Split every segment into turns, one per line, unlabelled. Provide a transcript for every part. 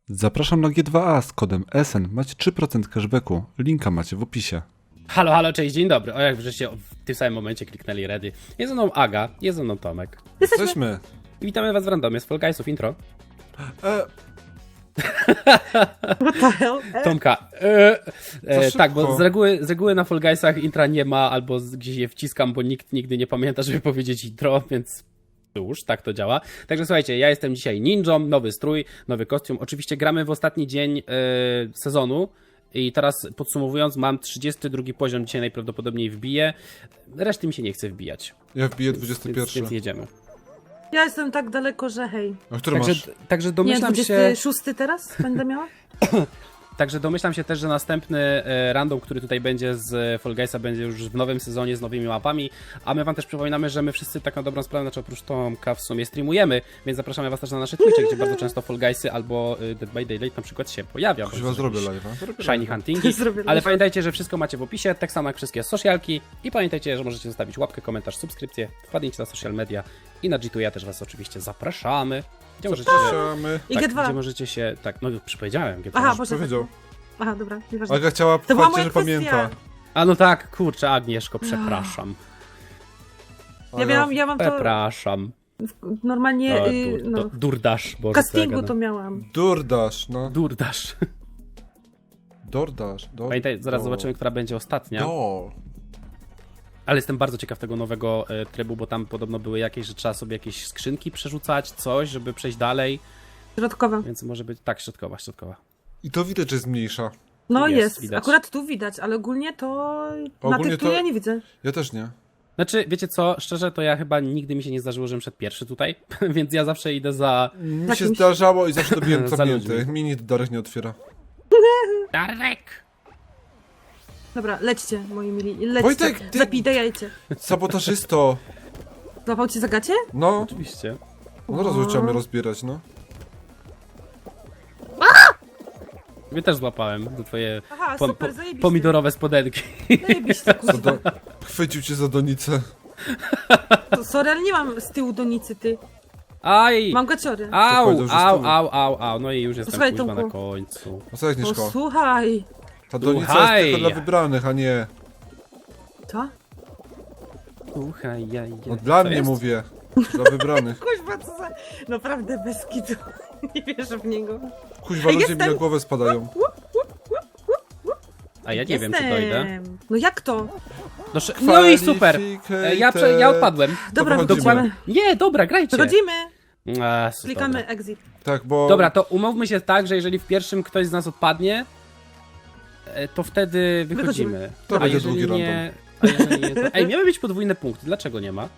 Zapraszam na G2A z kodem SN. Macie 3% cashbacku. Linka macie w opisie.
Halo, halo, cześć, dzień dobry. O, jak żeście w tym samym momencie kliknęli ready. Jest ze mną Aga, jest ze mną Tomek.
Jesteśmy.
I witamy was w randomie z Fall Guysów intro.
What the hell?
Tomka. Tak, bo z reguły na Fall Guysach intra nie ma, albo gdzieś je wciskam, bo nikt nigdy nie pamięta, żeby powiedzieć intro, więc już, tak to działa. Także słuchajcie, ja jestem dzisiaj ninją, nowy strój, nowy kostium. Oczywiście gramy w ostatni dzień sezonu. I teraz podsumowując, mam 32 poziom, dzisiaj najprawdopodobniej wbiję. Reszty mi się nie chce wbijać.
Ja wbiję 21.
Więc jedziemy.
Ja jestem tak daleko, że hej.
A który masz?
Także
Nie,
domyślam się...
26 teraz będę miała?
Także domyślam się też, że następny random, który tutaj będzie z Fall Guysa, będzie już w nowym sezonie z nowymi mapami, a my wam też przypominamy, że my wszyscy tak na dobrą sprawę, znaczy oprócz Tomka w sumie streamujemy, więc zapraszamy was też na nasze Twitche, gdzie bardzo często Fall Guysy albo Dead by Daylight na przykład się pojawia.
Chyba zrobię live'a.
Shiny huntingi,
Zrobię
ale
live'a.
pamiętajcie, że wszystko macie w opisie, tak samo jak wszystkie socialki i pamiętajcie, że możecie zostawić łapkę, komentarz, subskrypcję, wpadnijcie na social media i na G2A też was oczywiście zapraszamy. Gdzie możecie się...
Zapraszamy.
I
Tak,
G2.
gdzie możecie się... Tak, no przypowiedziałem G2.
Aha,
Już
Boże.
powiedział.
Aha, dobra, nieważne.
Aga chciała
To była
powiedzieć,
moja
że
kwestia.
pamięta.
A no tak, kurczę, Agnieszko, przepraszam.
Ja mam to
Przepraszam.
normalnie, no,
Durdasz,
w
Boże.
castingu to miałam.
Durdasz, no.
Durdasz.
Dordasz.
Pamiętaj, zaraz zobaczymy, która będzie ostatnia.
Do.
Ale jestem bardzo ciekaw tego nowego trybu, bo tam podobno były jakieś, że trzeba sobie jakieś skrzynki przerzucać, coś, żeby przejść dalej.
Środkowa.
Więc może być... Tak, środkowa.
I to widać, że jest mniejsza.
No
Jest,
jest,
widać.
akurat tu widać, ale ogólnie to na
Ogólnie
tych tu
to-
ja nie widzę.
Ja też nie.
Znaczy, wiecie co, szczerze, to ja chyba nigdy mi się nie zdarzyło, żebym szedł pierwszy tutaj, więc ja zawsze idę za...
Mi
Tak
się
mi się-
zdarzało i zawsze dobiłem
Za
zamknięty.
ludźmi.
Mini Darek nie otwiera.
Darek!
Dobra, lećcie, moi mili, lećcie.
Wojtek, ty-
Zapidajajcie.
Sabotażysto.
Złapał cię za gacie?
No.
Oczywiście.
No razu trzeba mnie rozbierać, no.
Mnie też złapałem do twoje
Aha, super, zajebiście.
pomidorowe spodenki.
Zajebiście, kurwa.
Chwycił cię za donicę.
To sorry, ale nie mam z tyłu donicy, ty.
Aj!
Mam gaciory.
Au,
powiedział, że
au,
stół.
au. No i już jestem
Słuchaj,
kuźwa na
Tomku.
końcu.
O co, Agnieszko?
O, słuchaj.
Ta donica
Słuchaj.
jest tylko dla wybranych, a nie...
Co?
Słuchaj,
No dla
Co
mnie
jest?
mówię. Dla wybranych.
Kuźwa, co za... Naprawdę bez kitu. Nie wierzę w niego.
Kuźwa, ludzie mi
jestem.
na głowę spadają.
A ja nie wiem, czy dojdę.
No jak to?
No i super! Ja odpadłem.
Dobra,
wychodzimy.
wychodzimy.
Nie, dobra, grajcie.
Wychodzimy.
A, super.
Klikamy exit.
Tak, bo...
Dobra, to umówmy się tak, że jeżeli w pierwszym ktoś z nas odpadnie, to wtedy wychodzimy.
To
A
będzie
jeżeli
drugi
nie... A jeżeli nie, to... Ej, miały być podwójne punkty, dlaczego nie ma?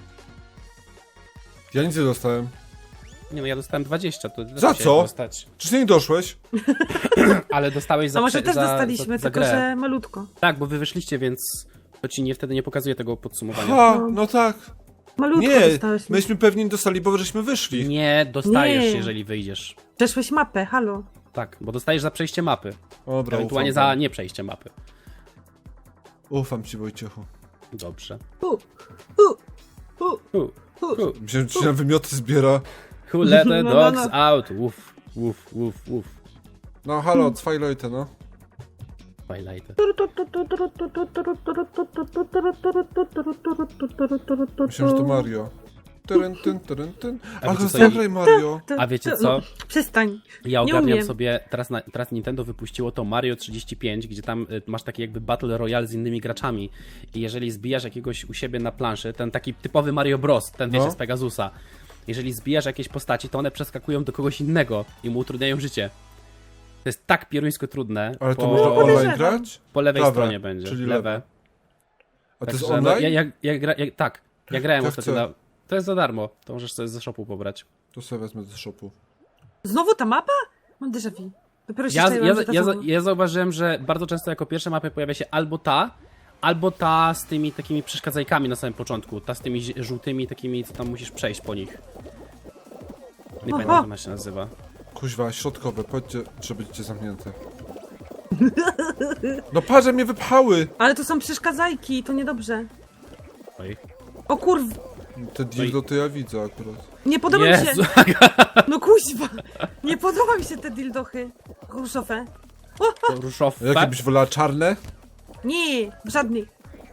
Ja nic nie dostałem.
Nie no, ja dostałem 20, to
Za
dlaczego
co?
dostać?
Czy nie doszłeś?
Ale dostałeś za
A może też
za,
dostaliśmy,
za
tylko
grę.
że malutko.
Tak, bo wy wyszliście, więc to ci nie wtedy nie pokazuje tego podsumowania.
Ha, no tak.
Malutko
Nie,
dostałeś.
myśmy pewnie dostali, bo żeśmy wyszli.
Nie dostajesz,
Nie.
jeżeli wyjdziesz.
Przeszłeś mapę, halo.
Tak, bo dostajesz za przejście mapy.
Dobra,
Ewentualnie
ufam
za
wam.
nie przejście mapy.
Ufam ci, Wojciechu.
Dobrze.
U.
Myślałem, że ci na wymioty zbiera.
Who let the
No,
dogs
no.
out? Uff, uff, uff, uff.
No halo, Twilighty, no.
Twilight.
Myślałem, że to Mario. Tyn.
A
Ach,
wiecie co,
zagraj Mario.
A wiecie co?
Przestań.
Ja
Nie
ogarniam
umiem.
sobie, teraz Nintendo wypuściło to Mario 35, gdzie tam masz taki jakby Battle Royale z innymi graczami i jeżeli zbijasz jakiegoś u siebie na planszy, ten taki typowy Mario Bros, ten wiecie,
No.
z Pegasusa, jeżeli zbijasz jakieś postaci, to one przeskakują do kogoś innego i mu utrudniają życie. To jest tak pieruńsko trudne.
Ale to
po,
można online
podejrzewam.
grać?
po lewej
Prawe,
stronie będzie.
czyli
lewe.
A to jest
Także, no,
online?
tak, ja grałem
Ja
ostatnio
chcę.
na... To jest za darmo, to możesz sobie ze shopu pobrać.
To sobie wezmę ze shopu.
Znowu ta mapa? Mam déjà vu. Dopiero się czaiłam, że ta sama.
Ja zauważyłem, że bardzo często jako pierwsza mapy pojawia się albo ta z tymi takimi przeszkadzajkami na samym początku. Ta z tymi żółtymi takimi, co tam musisz przejść po nich. Nie pamiętam, jak ona się nazywa.
Kuźwa, środkowe, powiedzcie, że będziecie zamknięte. No patrz, że mnie wypchały!
Ale to są przeszkadzajki, to niedobrze.
Oj.
O kurw,
Te dildo to ja widzę akurat.
nie podoba mi
Jezu,
się. No kuźwa. Nie podoba mi się te dildochy różowe.
Różowe.
Jakie byś wolała, czarne?
Nie, żadnych.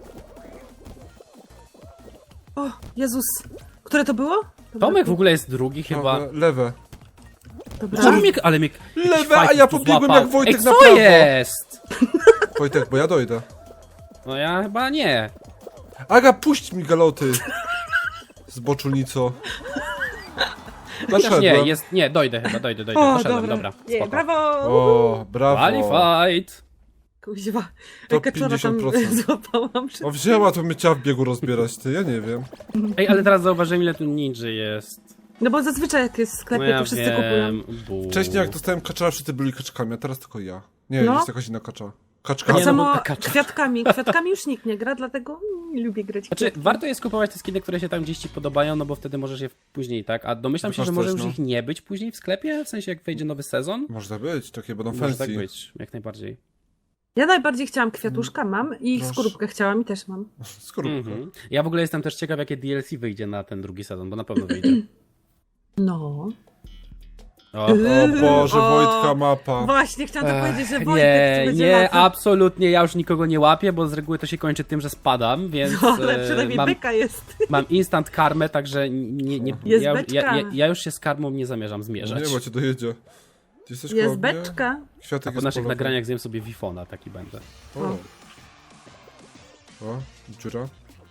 O, Jezus. Które to było? Dobra,
Tomek w ogóle jest drugi chyba.
Lewe.
Dobra.
Czemu mnie, ale mnie jakiś
Lewe, a
fajt
ja
tu
pobiegłem
złapał.
jak Wojtek
Ej,
na
co
prawo.
jest?
Wojtek, bo ja dojdę.
No ja chyba nie.
Aga, puść mi galoty. Zboczulnico.
Chociaż nie,
Poszedłem.
jest, nie, dojdę chyba, dojdę.
O,
Poszedłem, dobra,
Nie,
spoko.
brawo.
O, brawo.
Qualified.
Kuźwa.
To
Kaczora tam
50%.
złapałam.
O, wzięła, to mnie chciała w biegu rozbierać, ty, ja nie wiem.
Ej, ale teraz zauważyłem, ile tu ninja jest.
No bo zazwyczaj jak jest w sklepie,
No ja
to wszyscy
wiem.
kupują.
Bu.
Wcześniej jak dostałem kaczara, wszyscy byli kaczkami, a teraz tylko ja. Nie,
No.
jest jakaś inna kacza. Kaczka.
Tak
Nie, no bo
samo
ta kacza.
kwiatkami. Kwiatkami już nikt nie gra, dlatego nie lubię grać.
Znaczy, warto jest kupować te skiny, które się tam gdzieś ci podobają, no bo wtedy możesz je później, tak? A domyślam się, że może już
no.
ich nie być później w sklepie, w sensie jak wejdzie nowy sezon.
Może być, takie będą
Może
fancy.
tak być, jak najbardziej.
Ja najbardziej chciałam kwiatuszka, mam i
Proszę.
skorupkę chciałam i też mam.
Skorupka.
Ja w ogóle jestem też ciekaw, jakie DLC wyjdzie na ten drugi sezon, bo na pewno wyjdzie.
No.
O,
O Boże,
O.
Wojtka mapa.
Właśnie, chciałam to powiedzieć, że Wojtek
nie,
tu będzie
nie,
latał.
absolutnie, ja już nikogo nie łapię, bo z reguły to się kończy tym, że spadam, więc
No, ale przynajmniej
mam,
beka jest.
mam instant karmę, także nie,
Jest
ja,
beczka.
ja już się z karmą nie zamierzam zmierzać.
Nie, bo cię dojedzie. Ty jesteś koło
Jest
mnie?
beczka.
Kwiatek
A po
jest
naszych
polowy.
nagraniach zjem sobie Wifona, taki będę.
O. O, dziura.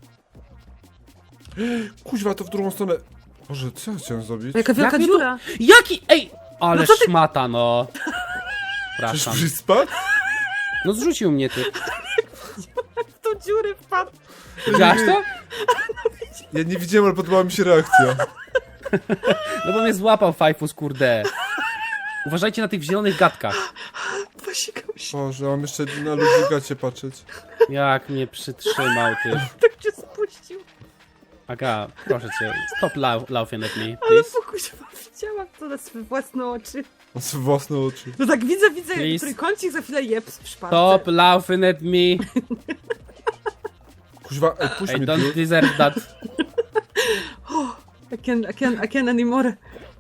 Kuźwa, to w drugą stronę. Boże, co ja chciałem zrobić?
Jaka wielka
Jak mnie to-
dziura.
Jaki? Ej! Ale
No co ty-
szmata, no.
Przecież
Przepraszam.
byś spadł?
No zrzucił mnie ty.
W tą dziurę wpadł.
Widziałaś to?
Ja nie widziałem, ale podobała mi się reakcja.
No bo mnie złapał Fajfus, kurde. Uważajcie na tych zielonych gadkach.
Posikał się.
Boże, mam jeszcze na ludzi gacie patrzeć.
Jak mnie przytrzymał, ty.
Tak cię spuścił.
Aga, proszę cię, stop laughing at me,
Ale
please.
pokusiła, widziałam to na swoje własne oczy.
Mam swoje własne oczy.
No tak widzę,
Please.
trójkącik, za chwilę jeps w szparce.
Stop laughing at me.
Kuźwa, ej, puść
I
mnie
don't
tu.
deserve that.
I can't anymore.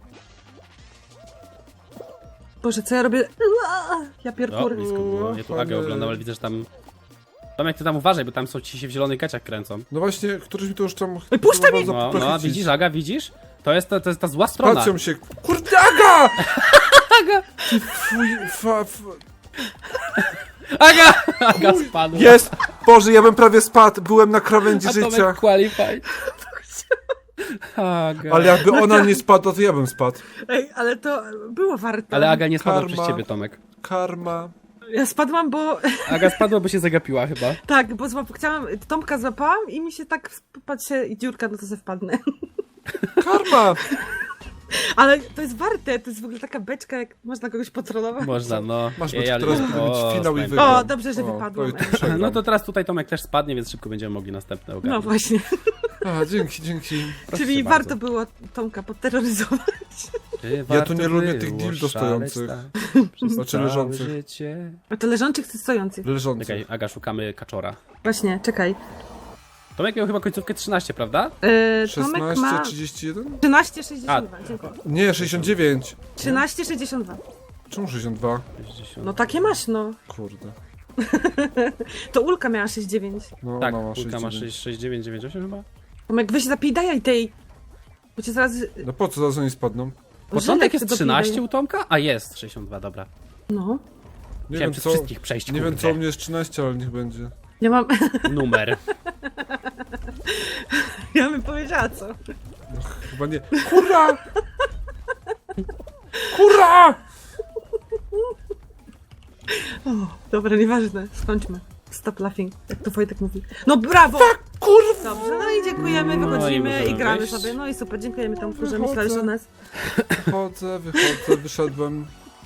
Boże, co ja robię? Ja
O,
pierkur.
blisko było. Ja tu Agę oglądam, ale widzę, że tam... Tomek, ty tam uważaj, bo tam są ci się w zielonych gaciach kręcą.
No właśnie, któryś mi to już tam...
Ej, puszczaj mi!
No, widzisz, Aga, widzisz? To jest ta zła strona.
Patrzą się... Kurde, Aga!
Aga!
Ty fuj,
Aga! Aga spadła.
Jest! Boże, ja bym prawie spadł, byłem na krawędzi
A
życia.
Tomek qualified. Aga.
Ale jakby ona nie spadła, to ja bym spadł.
Ej, ale to było warto.
Ale Aga nie spadła
Karma.
przez ciebie, Tomek.
Karma.
Ja spadłam, bo...
Aga spadła, bo się zagapiła chyba.
Tak, bo chciałam... Tomka złapałam i mi się tak... Patrzę i dziurka, no to se wpadnę.
Karma!
Ale to jest warte, to jest w ogóle taka beczka, jak można kogoś potrolować.
Można, no.
Masz
Ej,
być,
ale-
teraz powinien być
o,
finał i
spędzę.
wygrał.
O, dobrze, że wypadło.
to przegram.
No to teraz tutaj Tomek też spadnie, więc szybko będziemy mogli następne
No
ogarnąć.
właśnie.
A, dzięki.
Proszę
Czyli
cię bardzo.
warto było Tomka podterroryzować.
Czy
Ja
warto
tu nie lubię tych
było
dildo
szaleć
stojących.
tak przez
Znaczy
całe
leżących.
życie?
A to leżących czy stojących?
Leżący.
Czekaj, Aga, szukamy kaczora.
Właśnie, czekaj.
Tomek miał chyba końcówkę 13, prawda?
Tomek
16,
ma
31?
13,62. Dziękuję.
Nie, 69.
13,62.
Czemu 62?
60.
No takie masz, no.
Kurde.
To Ulka miała 6,9.
No,
Tak,
ona ma
Kulka ma
69.
6998 chyba?
Tomek, weź zapij tej. Bo cię zaraz...
No po co zaraz oni spadną?
Początek
Żylek
jest
dopij
13
daje.
u Tomka? A jest 62, dobra.
No.
Nie
Chciałem
wiem
przez
co...
wszystkich przejść,
Nie wiem
kurde.
co u mnie jest 13, ale niech będzie.
Ja mam...
Numer.
Ja bym powiedziała co.
Chyba nie. Kurra! Kurra!
Dobra, nieważne. Skończmy. Stop laughing, jak to Wojtek mówi. No brawo!
Kurwa!
Dobrze, no i dziękujemy,
No i
wychodzimy
możemy
i gramy
wyjść.
sobie. No i super, dziękujemy Tomku, że
Wychodzę.
myślałeś o nas.
Wychodzę, wyszedłem.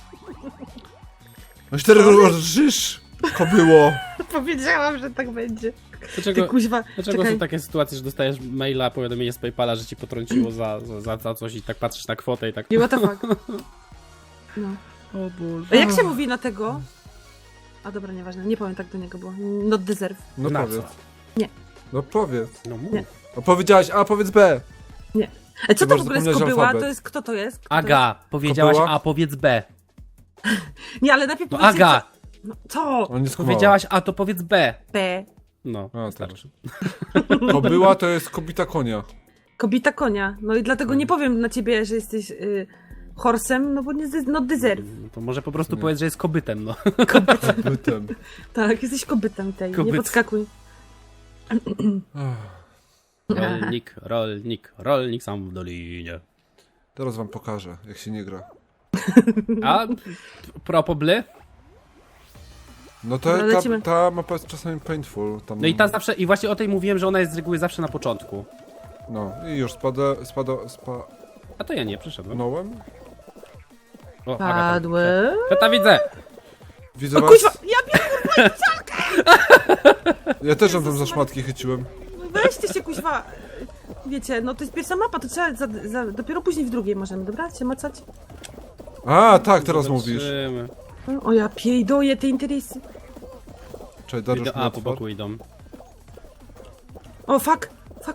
No 4 rżysz! Kobyło!
Powiedziałam, że tak będzie. Ty
Dlaczego,
kuźwa,
dlaczego
czekaj.
są takie sytuacje, że dostajesz maila, powiadomienie z PayPala, że ci potrąciło za coś i tak patrzysz na kwotę i tak...
Nie, what the fuck. No.
O Boże.
A jak się mówi na tego? A dobra, nieważne, nie powiem tak do niego, bo not deserve.
No
Na
powiedz.
co?
Nie.
No powiedz.
No mów.
Nie.
No powiedziałaś A, powiedz B.
Nie. Co to
Chyba,
w
że
ogóle jest
zapomniałeś
kobyła?
alfabet.
To jest, kto to jest? Kto to
Aga, powiedziałaś
Kobyła?
A, powiedz B.
jest? Nie, ale najpierw
No
powiedzcie,
Aga,
co... No, co?
On nie skumała.
powiedziałaś A, to powiedz B.
B.
No,
A,
wystarczy.
Kobyła to jest kobita konia.
Kobita konia. No i dlatego nie powiem na ciebie, że jesteś horsem, no bo nie no deserve.
No to może po prostu powiedz, że jest kobytem, no.
Bytem.
Tak, jesteś kobytem tej. Nie
Kobyt.
podskakuj.
Rolnik, rolnik, rolnik sam w dolinie.
Teraz wam pokażę, jak się nie gra.
A propos bly?
No
Dobra,
to
lecimy.
ta mapa jest czasami painful. Tam,
No i ta zawsze, i właśnie o tej mówiłem, że ona jest z reguły zawsze na początku.
No i już spadnąłem.
A to ja nie, przyszedłem. O, Aga,
Padły.
to widzę!
Widzę
O
was.
kuźwa, ja
Ja też ją tam za szmatki chyciłem.
weźcie się kuźwa. Wiecie, no to jest pierwsza mapa, to trzeba dopiero później w drugiej możemy, dobra? Się macać?
A, tak, teraz mówisz.
Zobaczymy.
O ja piejdoję te interesy.
Czekaj, Dariusz
A, po boku idą.
O fuck.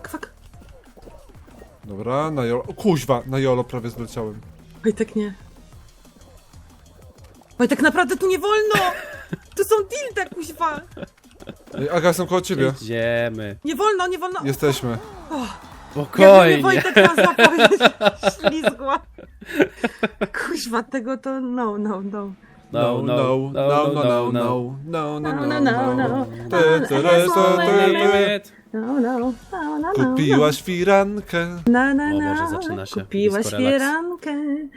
Dobra, na jolo. O, kuźwa, na jolo prawie zleciałem.
Wojtek nie. Wojtek naprawdę tu nie wolno! Tu są dilda kuźwa!
Ej, Aga, jestem koło ciebie.
Idziemy.
Nie wolno, nie wolno!
Jesteśmy.
Ja
Spokojnie.
nie Wojtek nas złapał, ślizgła. Kuźwa, tego to no.
No, no, no, no, no, no, no, no, no, no.
No.
Kupiłaś firankę.
O Boże, zaczyna się
Kupiłaś
disco relax.
fierankę.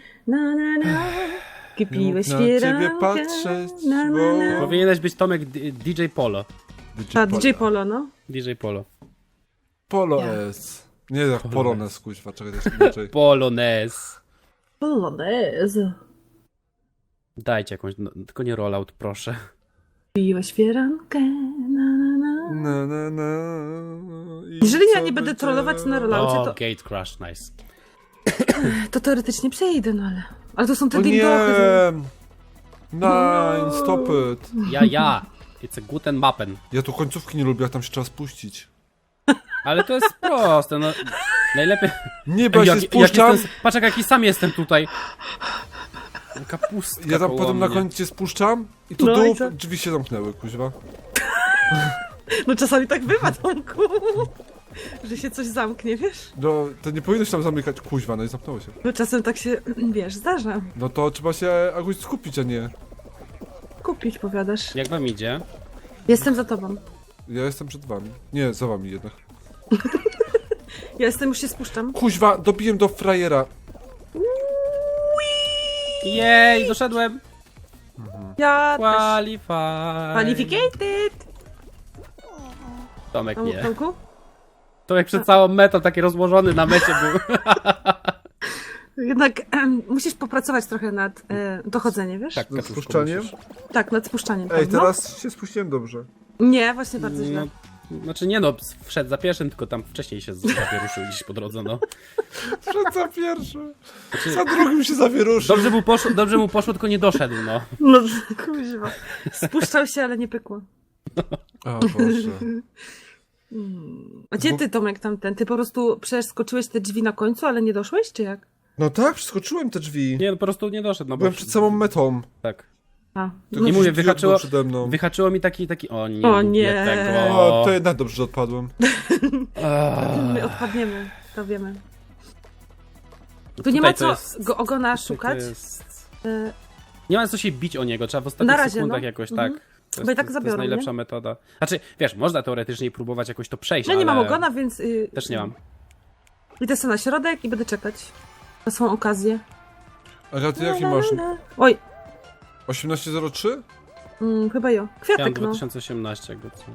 Kupiłeś
Nie mógł na ciebie
fierankę.
patrzeć, bo-
Powinieneś być Tomek DJ Polo.
A, DJ Polo, no.
DJ Polo.
Polo
Ja.
S. Nie jak Polones, kuźwa, czekaj, to jest inaczej.
Polonez.
Polonez.
Dajcie jakąś, no, tylko nie rollout, proszę.
Kupiłeś fierankę.
Na, na, na. I
Jeżeli ja
co
nie będę
będzie?
trollować na rolaucie,
O,
to,
Gate Crash, nice.
to teoretycznie przejdę, no ale... Ale to są te
O nie!
dildochy.
Nine, stop it.
Ja. It's a guten Mappen.
Ja tu końcówki nie lubię, jak tam się trzeba spuścić.
Ale to jest proste, no. Najlepiej...
Nie, bo ja się
Jak
spuszczam.
jestem, patrz jaki sam jestem tutaj. Kapustka
Ja tam
koło
potem na
mnie.
koniec się spuszczam i tu
No i co?
drzwi się zamknęły, kuźwa.
No czasami tak bywa, Tomku. Że się coś zamknie, wiesz?
No, to nie powinno się tam zamykać, kuźwa, no i zamknęło się.
Bo czasem tak się, wiesz, zdarza.
No to trzeba się jakoś skupić, a nie.
Kupić, powiadasz.
Jak wam idzie?
Jestem za tobą.
Ja jestem przed wami. Nie, za wami jednak.
Ja już się spuszczam.
Kuźwa, dobiłem do frajera.
Jej, doszedłem.
Ja też.
Qualify.
Qualificated!
Tomek nie.
Tomku?
Tomek przed całą metą taki rozłożony na mecie był.
Jednak musisz popracować trochę nad dochodzeniem, wiesz?
Tak,
Nad
kaczuszko
spuszczaniem?
musisz.
Tak, nad spuszczaniem.
Ej,
no.
teraz się spuściłem dobrze.
Nie, właśnie bardzo źle.
No, znaczy nie no, wszedł za pierwszym, tylko tam wcześniej się zawieruszył gdzieś po drodze, no.
Przed za pierwszy. Za drugim się zawieruszył.
Dobrze mu poszło, tylko nie doszedł, no.
No, kuźwa. Spuszczał się, ale nie pykło.
O Boże.
A gdzie ty, Tomek, tamten? Ty po prostu przeskoczyłeś te drzwi na końcu, ale nie doszłeś, czy jak?
No tak, przeskoczyłem te drzwi.
Nie, no po prostu nie doszedł, no bo...
Byłem przed samą metą.
Tak.
A,
Tylko
Nie
jakiś
mówię,
idiot był przede mną.
wyhaczyło mi taki... O nie,
O nie.
tego.
O, to jednak dobrze, że odpadłem.
my odpadniemy, to wiemy. Tu
Tutaj
nie ma
to
co
jest-
go ogona
Tutaj to
szukać.
jest-
E,
Nie ma co się bić o niego, trzeba w ostatnich
Na razie,
sekundach
no.
jakoś,
Mhm.
tak. To
Bo i tak
to
zabiorą,
jest najlepsza
nie?
metoda. Znaczy, wiesz, można teoretycznie próbować jakoś to przejść,
Ja nie
ale
mam ogona, więc...
też nie mam.
Idę sobie na środek i będę czekać na swoją okazję.
Aga, ty jaki masz?
Oj,
1803?
chyba jo.
Ja mam
Kwiatek, no.
2018, jakby co.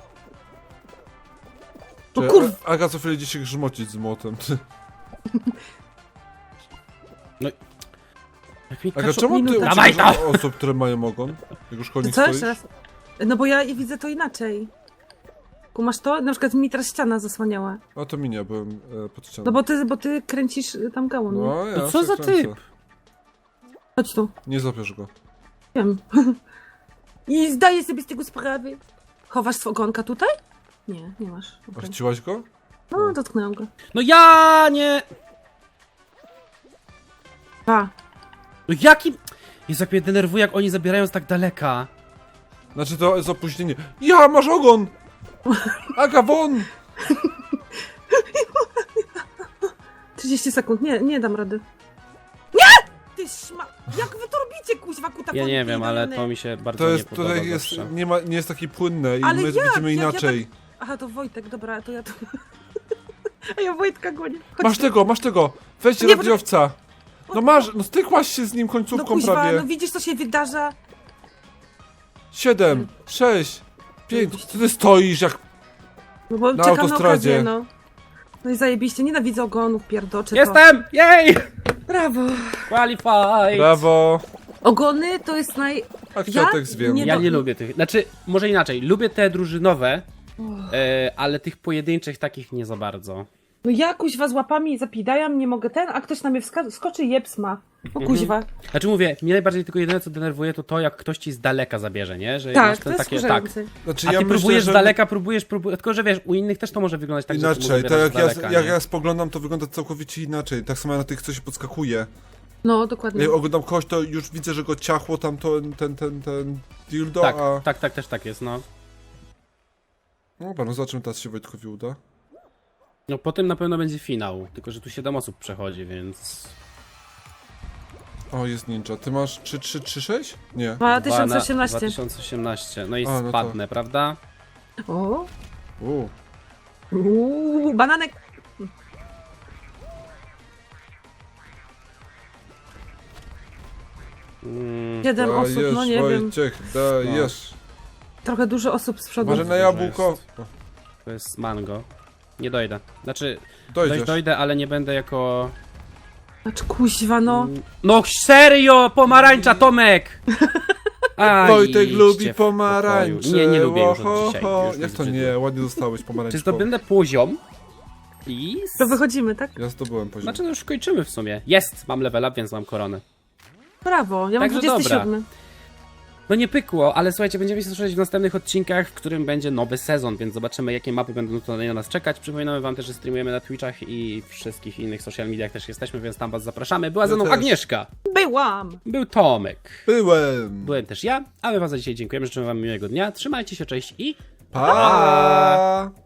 O
Czy
kurw.
Aga co chwilę idzie się grzmocić z młotem.
Jak mi
Aga,
kaczu-
czemu ty
Minuta.
Dawaj
uciekasz od osób, które mają ogon? Jak już koło
To
nich
co
stoisz?
jeszcze raz? No bo ja widzę to inaczej. Kumasz to? Na przykład mi teraz ściana zasłaniała.
A to mi nie, byłem pod ścianą.
No bo ty kręcisz tam gałon. nie?
No, ja
No co
się
za
kręcę.
typ?
Chodź tu.
Nie zapiesz go.
Wiem. I zdaję sobie z tego sprawę. Chowasz swego ogonka tutaj? Nie, nie masz.
A
Okay.
chciłaś go?
No, dotknęłam go.
No ja nie!
2.
No jakim... Jezu, jak mnie denerwuje, jak oni zabierają z tak daleka.
Znaczy to jest opóźnienie. Ja, masz ogon! Aga, won!
30 sekund, nie dam rady. Nie! Ty szma... Jak wy to robicie, kuźwa, kutafonik?
Ja nie wiem, ale
jadony?
to mi się bardzo
To
nie
jest,
podoba
tutaj jest,
zawsze.
nie jest takie płynne i
Ale
my
jak?
widzimy
Jak ja
inaczej.
Aha, to Wojtek, dobra, to ja to... A ja Wojtka gonię. Chodź.
Masz tego! Weźcie
Nie,
radiowca! No masz, no stykłaś się z nim
No
końcówką
kuźwa,
prawie.
no widzisz, co się wydarza?
7, 6, 5. Co ty stoisz jak...
No bo
Na
czekam
autostradzie.
na okazję, no. No i zajebiście, nienawidzę ogonów, pierdocze.
Jestem! Jej!
To. Brawo.
Qualified!
Brawo!
Ogony to jest
A kwiatek zwiem.
nie-
Ja nie lubię tych. Znaczy, może inaczej. Lubię te drużynowe, ale tych pojedynczych takich nie za bardzo.
No ja kuźwa z łapami zapidajam, nie mogę a ktoś na mnie skoczy i jeps ma. O kuźwa.
Znaczy mówię, mnie najbardziej tylko jedyne co denerwuje to jak ktoś ci z daleka zabierze, nie? Że
Tak,
masz
to
ten
jest
takie,
wkurzające.
Znaczy
A ty
ja myślę,
próbujesz
że
z daleka, próbujesz, tylko że wiesz, u innych też to może wyglądać tak, że
inaczej,
ty
tak jak
z daleka,
jak
nie?
ja spoglądam, to wygląda całkowicie inaczej. Tak samo na tych, co się podskakuje.
No, dokładnie.
Jak oglądam kogoś, to już widzę, że go ciachło tam ten dildo,
Tak,
a...
tak, też tak jest, no.
No dobra, no zobaczymy teraz się Wojtkowi uda.
No potem na pewno będzie finał, tylko że tu 7 osób przechodzi, więc...
O, jest ninja. Ty masz 6? Nie.
2018.
2018, no i
A, no to-
spadnę, prawda?
O.
U.
Bananek.
Mm,
7 osób, no nie wiem.
Wojciech, dajesz.
Trochę dużo osób z przodu.
Może na
Dużo
jabłko.
jest. to jest mango. Nie dojdę. Znaczy,
Dojdziesz.
dojdę, ale nie będę jako...
Znaczy kuźwa, no.
No serio, pomarańcza, Tomek! Aj,
Wojtek
idźcie
lubi
w
pomarańcze.
pokoju. Nie lubię już
Oho,
od dzisiaj.
ho.
Już
Jak to
zbyt-
nie? Ładnie zostałeś
Czy
pomarańczką.
zdobędę poziom? I...
To wychodzimy, tak?
Ja zdobyłem poziom.
Znaczy, no już kończymy w sumie. Jest! Mam level up, więc mam koronę.
Brawo, ja mam
Także
27.
No nie pykło, ale słuchajcie, będziemy się słyszeć w następnych odcinkach, w którym będzie nowy sezon, więc zobaczymy, jakie mapy będą tutaj na nas czekać. Przypominamy wam też, że streamujemy na Twitchach i wszystkich innych social mediach też jesteśmy, więc tam was zapraszamy. Była ze mną
też.
Agnieszka,
Byłam!
był Tomek,
Byłem.
byłem też ja, a my wam za dzisiaj dziękujemy, życzymy wam miłego dnia, trzymajcie się, cześć i...
Pa!